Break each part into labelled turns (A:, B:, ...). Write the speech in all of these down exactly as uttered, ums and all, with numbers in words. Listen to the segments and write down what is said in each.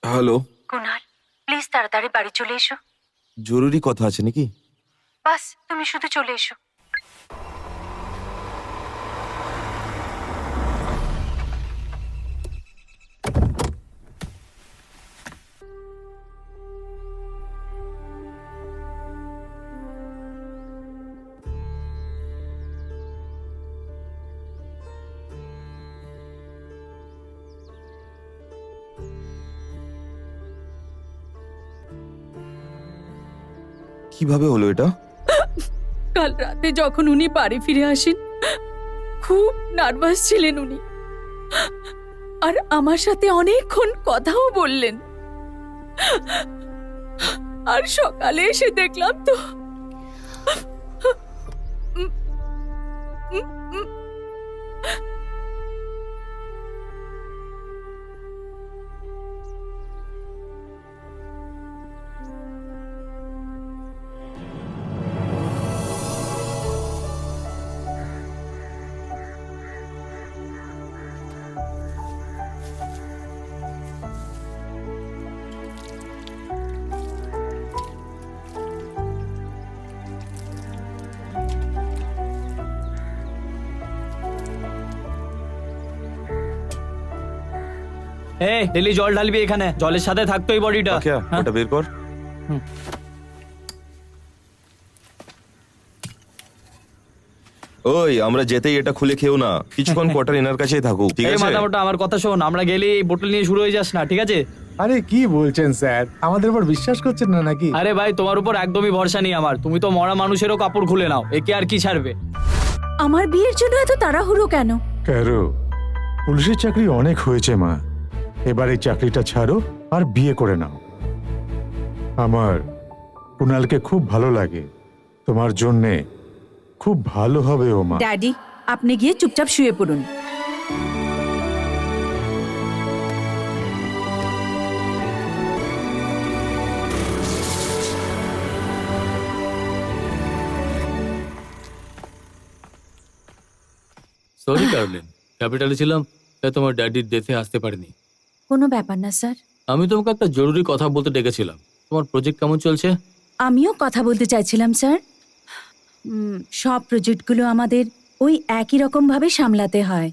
A: Hello.
B: Kunal, please তাড়াতাড়ি বাড়ি চলে এসো।
A: জরুরি কথা আছে নাকি?
B: বাস তুমি শুধু চলে এসো।
A: কিভাবে হলো এটা?
C: কাল রাতে যখন উনি বাড়ি ফিরে আসেন খুব নার্ভাস ছিলেন উনি, আর আমার সাথে অনেকক্ষণ কথাও বললেন। আর সকালে এসে দেখলাম তো
D: এই ডেলি জল ঢালবি এখানে, জলের সাথে থাকতো এই বডিটা।
A: আচ্ছা, ওটা বের কর। ওই আমরা যেতেই এটা খুলে খেও না, কিছুক্ষণ কোয়ার্টার এনার কাছেই থাকুক, ঠিক
D: এই
A: আছে?
D: মাথা মোটা আমার কথা শোন, আমরা গেলেই এই বোতল নিয়ে শুরু হয়ে যাস না, ঠিক আছে?
E: আরে কি বলছেন স্যার, আমাদের উপর বিশ্বাস করছেন না নাকি?
D: আরে ভাই তোমার উপর একদমই ভরসা নেই আমার, তুমি তো মরা মানুষেরও কাপড় খুলে নাও, একে আর কি ছাড়বে?
C: আমার বিয়ের জন্য এত তাড়াহুড়ো কেন?
E: ক্যারো, পুলিশের চাকরি অনেক হয়েছে মা, এবার এই চাকরিটা ছাড়ো আর বিয়ে করে নাও। আমার কুনালকে খুব ভালো লাগে, তোমার জন্যে খুব ভালো হবে ও মা।
C: ড্যাডি, আপনি গিয়ে চুপচাপ শুয়ে পড়ুন।
F: সরি কার্লিন, ক্যাপিটালে ছিলাম তাই তোমার ড্যাডির ডেথে আসতে পারিনি।
C: কোনো ব্যাপার না স্যার,
F: আমি তোমাকে একটা জরুরি কথা বলতে ডেকেছিলাম। তোমার প্রজেক্ট কেমন চলছে?
C: আমিও কথা বলতে চাইছিলাম স্যার। উম, সব প্রজেক্টগুলো আমাদের ওই একই রকম ভাবে সামলাতে হয়,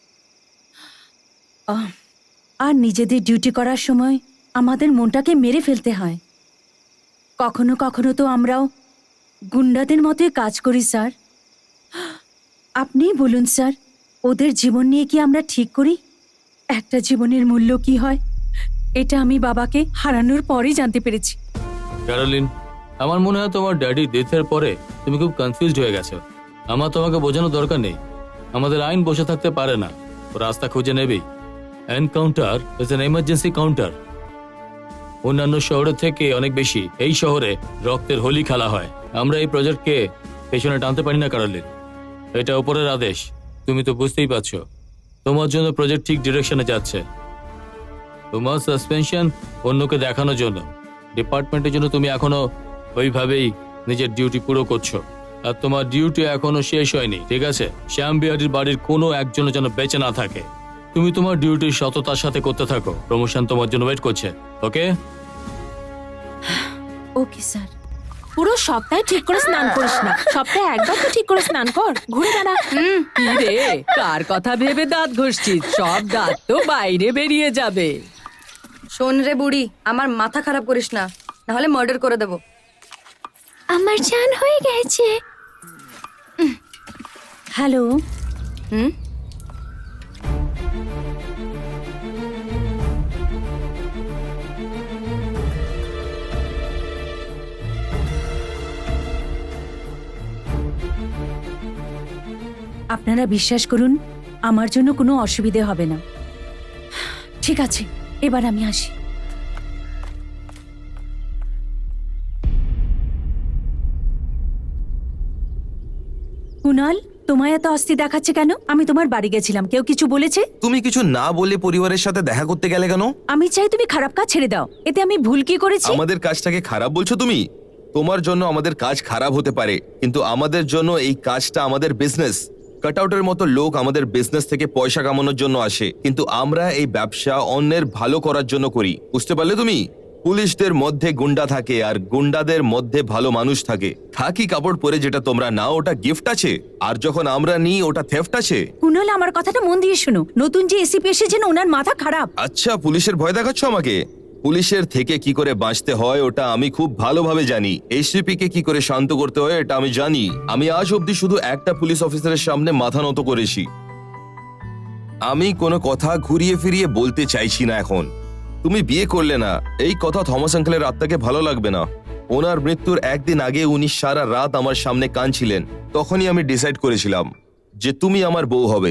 C: আহ, আর নিজেদের ডিউটি করার সময় আমাদের মনটাকে মেরে ফেলতে হয়। কখনো কখনো তো আমরাও গুন্ডাদের মতোই কাজ করি স্যার। আপনিই বলুন স্যার, ওদের জীবন নিয়ে কি আমরা ঠিক করি? একটা জীবনের মূল্য কি হয় এটা আমি বাবাকে হারানোর পরেই জানতে পেরেছি।
F: ক্যারোলিন, আমার মনে হয় তোমার ড্যাডি ডেথের পরে তুমি খুব কনফিউজড হয়ে গেছো। আমার তোমাকে বোঝানোর দরকার নেই, আমাদের আইন বসে থাকতে পারে না, ও রাস্তা খুঁজে নেবেই। Encounter is an emergency counter. অন্যান্য শহরের থেকে অনেক বেশি এই শহরে রক্তের হোলি খেলা হয়। আমরা এই প্রজেক্টকে পেছনে টানতে পারি না ক্যারোলিন, এটা উপরের আদেশ। তুমি তো বুঝতেই পারছো, তোমার জন্য প্রজেক্ট ঠিক ডিরেকশনে যাচ্ছে। তোমার সাসপেনশন অন্যকে দেখানোর জন্য, ডিপার্টমেন্টের জন্য তুমি এখনো ওইভাবেই নিজের ডিউটি পুরো করছো, আর তোমার ডিউটি এখনো শেষ হয়নি, ঠিক আছে? শ্যাম বিহারির বাড়ির কোনো একজনের যেন বেঁচে না থাকে। তুমি তোমার ডিউটি সততার সাথে করতে থাকো, প্রমোশন তোমার জন্য ওয়েট করছে। Okay
C: okay sir.
G: পুরো সপ্তাহে ঠিক করে স্নান করিস না, সপ্তাহে একবার তো ঠিক করে স্নান কর, ঘুরে দাঁড়া।
C: কি রে, কার কথা ভেবে দাঁত ঘষছিস? সব দাঁত তো বাইরে বেরিয়ে যাবে।
H: শোন রে বুড়ি, আমার মাথা খারাপ করিস না, নাহলে মার্ডার করে দেবো।
G: আমার চান হয়ে গেছে।
C: হ্যালো।
H: হুম
C: আপনারা বিশ্বাস করুন, আমার জন্য কোনো অসুবিধে হবে না। ঠিক আছে, এবার আমি আসি। কুনাল, তোমায় এত অস্থির দেখাচ্ছে কেন? আমি তোমার বাড়ি গেছিলাম, কেউ কিছু বলেছে?
A: তুমি কিছু না বলে পরিবারের সাথে দেখা করতে গেলে কেন?
C: আমি চাই তুমি খারাপ কাজ ছেড়ে দাও, এতে আমি ভুল কি করেছি?
A: আমাদের কাজটাকে খারাপ বলছো তুমি? তোমার জন্য আমাদের কাজ খারাপ হতে পারে, কিন্তু আমাদের জন্য এই কাজটা আমাদের বিজনেস। কাটআউটের মতো লোক আমাদের বিজনেস থেকে পয়সা কামানোর জন্য আসে, কিন্তু আমরা এই ব্যবসা অন্যের ভালো করার জন্য করি। বুঝতে পারলে তুমি? পুলিশদের মধ্যে গুন্ডা থাকে আর গুন্ডাদের মধ্যে ভালো মানুষ থাকে। খাকি কাপড় পরে যেটা তোমরা নাও ওটা গিফট আছে, আর যখন আমরা নিই ওটা থেফট আছে।
C: কুনাল, আমার কথাটা মন দিয়ে শোনো। নতুন যে এসিপি এসেছেন ওনার মাথা খারাপ।
A: আচ্ছা, পুলিশের ভয় দেখাচ্ছ আমাকে? পুলিশের থেকে কি করে বাঁচতে হয় ওটা আমি খুব ভালোভাবে জানি। এসিপি কে কি করে শান্ত করতে হয় এটা আমি জানি। আমি আজ অব্দি শুধু একটা পুলিশ অফিসারের সামনে মাথা নত করেছি। আমি কোনো কথা ঘুরিয়ে ফিরিয়ে বলতে চাইছি না এখন। তুমি বিয়ে করলে না, এই কথা থমাস আঙ্কেলের আত্মাকে ভালো লাগবে না। ওনার মৃত্যুর একদিন আগে উনি সারা রাত আমার সামনে কাঁদছিলেন। তখনই আমি ডিসাইড করেছিলাম যে তুমি আমার বউ হবে।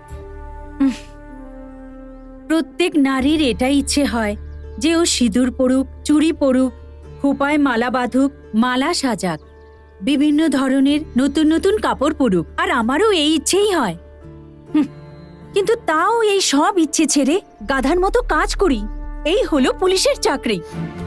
C: প্রত্যেক নারীর এটাই ইচ্ছে হয় যে ও সিঁদুর পরুক, চুড়ি পরুক, খোপায় মালা বাঁধুক, মালা সাজাক, বিভিন্ন ধরনের নতুন নতুন কাপড় পরুক। আর আমারও এই ইচ্ছেই হয়। হুঁ, কিন্তু তাও এই সব ইচ্ছে ছেড়ে গাধার মতো কাজ করি। এই হলো পুলিশের চাকরি।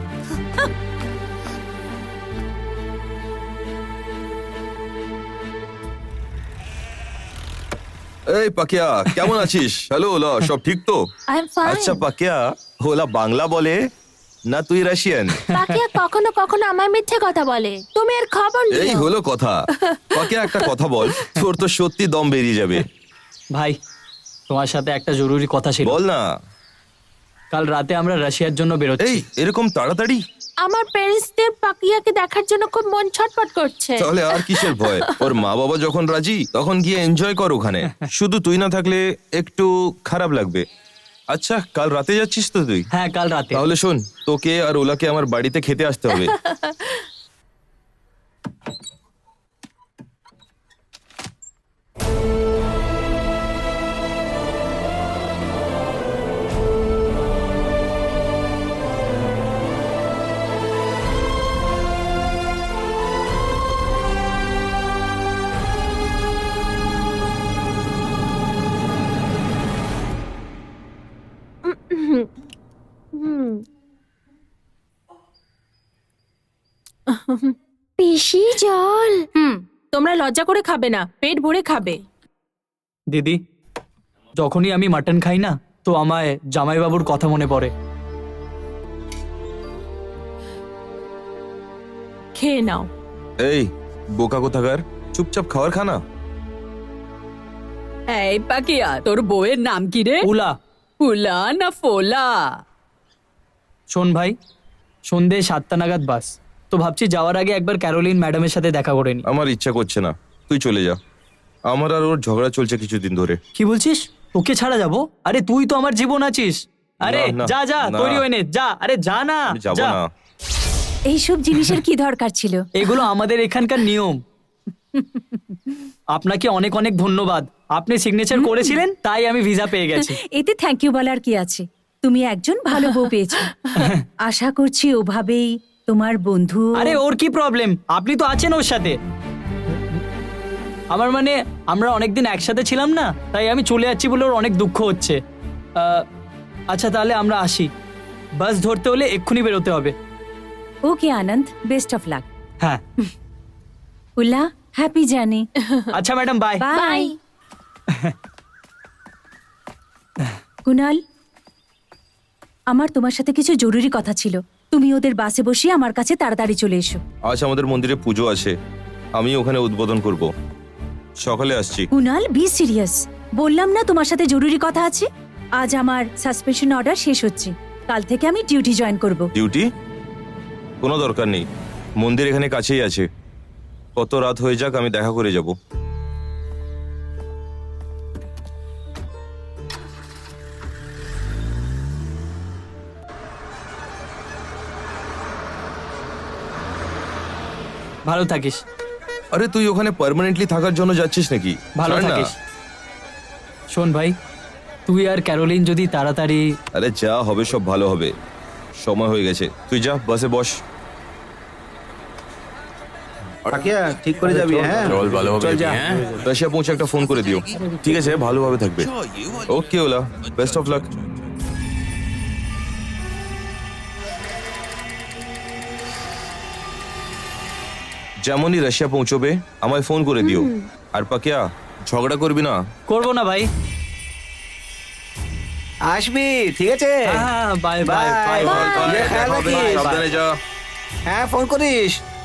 A: এই পাকিয়া, কেমন আছিস? হ্যালো ওলা, সব ঠিক তো?
G: I am fine.
A: আচ্ছা পাকিয়া, ওলা বাংলা বলে না তুই রাশিয়ান?
G: পাকিয়া কখনো কখনো আমার মিথ্যে কথা বলে, তুমি এর খবর
A: এই
G: নিও।
A: হলো কথা। পাকিয়া একটা কথা বল, তোর তো সত্যি দম বেরিয়ে যাবে।
D: ভাই, তোমার সাথে একটা জরুরি কথা ছিল।
A: বল না।
D: কাল রাতে আমরা রাশিয়ার জন্য বেরোচ্ছি।
A: এই এরকম তাড়াতাড়ি?
G: আমার প্যারেন্টসদের পাকিয়াকে দেখার জন্য খুব মন ছটফট করছে।
A: তাহলে আর কিসের ভয়? ওর মা বাবা যখন রাজি তখন গিয়ে এনজয় কর ওখানে। শুধু তুই না থাকলে একটু খারাপ লাগবে। আচ্ছা, কাল রাতে যাচ্ছিস তো তুই?
D: হ্যাঁ, কাল রাতে।
A: তাহলে শোন, তোকে আর ওলাকে আমার বাড়িতে খেতে আসতে হবে।
G: পিসি জল। হুম, তোমরা লজ্জা করে খাবে না, পেট ভরে খাবে।
D: দিদি, যখনই আমি মাটন খাই না তো আমায় জামাইবাবুর কথা মনে পড়ে।
G: খেয়ে নাও।
A: এই বোকা কোথাকার, চুপচাপ খাবার খানা।
C: এই পাকিয়া, তোর বউয়ের নাম কি রে?
D: উলা।
C: ফুলা না ফোলা?
D: শোন ভাই, সন্ধে সাতটা নাগাদ বাস, তো ভাবছি যাওয়ার আগে একবার ক্যারোলিন ম্যাডামের সাথে দেখা করে নি।
A: আমার ইচ্ছা করছে না, তুই চলে যা। আমার আর ওর ঝগড়া চলছে কিছুদিন ধরে।
D: কি বলছিস? তোকে ছাড়া যাবো? আরে তুই তো আমার জীবন আছিস। আরে
A: না, না,
D: যা যা,
A: না।
D: তৈরি হয়ে নে, যা। আরে যা না,
A: আমি যাবো
D: যা।
A: না।
C: এইসব জিনিসের কি দরকার ছিল?
D: এগুলো আমাদের এখানকার নিয়ম। আপনাকে অনেক অনেক ধন্যবাদ, আপনি সিগনেচার করেছিলেন তাই আমি ভিসা পেয়ে গেছি।
C: এতে থ্যাংক ইউ বলার কি আছে? তুমি একজন ভালো বউ পেয়েছো। আশা করছি ওভাবেই তোমার বন্ধু।
D: আরে ওর কি প্রবলেম? আপনি তো আছেন ওর সাথে। আমার মানে আমরা অনেকদিন একসাথে ছিলাম না, তাই আমি চলে যাচ্ছি বলে ওর অনেক দুঃখ হচ্ছে। আহ, আচ্ছা তাহলে আমরা আসি, বাস ধরতে হলে এক্ষুনি বেরোতে হবে।
C: Okay Anand, best of luck.
D: হ্যাঁ।
C: উল্লা, হ্যাপি জার্নি।
D: আচ্ছা ম্যাডাম, বাই।
C: বাই। কুনাল, আমার তোমার সাথে কিছু জরুরি কথা ছিল। তুমি ওদের বাসে বসিয়ে আমার কাছে তাড়াতাড়ি চলে এসো।
A: আজ আমাদের মন্দিরে পুজো আছে, আমি ওখানে উদ্বোধন করব। সকালে আসছি।
C: Kunal, be serious. বললাম না তোমার সাথে জরুরি কথা আছে। আজ আমার সাসপেনশন অর্ডার শেষ হচ্ছে, কাল থেকে আমি ডিউটি জয়েন করব।
A: ডিউটি? কোনো দরকার নেই, মন্দির এখানে কাছেই আছে। কত রাত হয়ে যাক আমি দেখা করে যাব।
D: ভালো থাকিস।
A: আরে তুই ওখানে পার্মানেন্টলি থাকার জন্য যাচ্ছিস নাকি?
D: ভালো
A: ছাড় না।
D: থাকিস। শোন ভাই, তুই আর ক্যারোলিন যদি তাড়াতাড়ি।
A: আরে যা হবে সব ভালো হবে, সময় হয়ে গেছে। তুই যা, বাসে বস।
I: পাকিয়া ঠিক করে যাবি? হ্যাঁ
F: চল ভালোভাবে
I: চল
F: যাবি,
I: যা।
F: হ্যাঁ?
A: রাশিয়া পৌঁছে একটা ফোন করে দিও। ঠিক আছে, ভালোভাবে থাকবে। Okay Ola, best of luck. যেমনই রাশিয়া পৌঁছবে আমায় ফোন করে দিও। আর পাকিয়া, ঝগড়া করবি না।
D: করবো না ভাই।
I: আসবি, ঠিক আছে?
D: হ্যাঁ bye bye
I: Bye.
D: Bye
I: Bye.
A: চল, চল,
I: ইয়ে,
A: দেখা
I: খেয়াল
A: হবে,
I: রাখিস।
A: সাবধানে যা।
I: হ্যাঁ, ফোন করিস।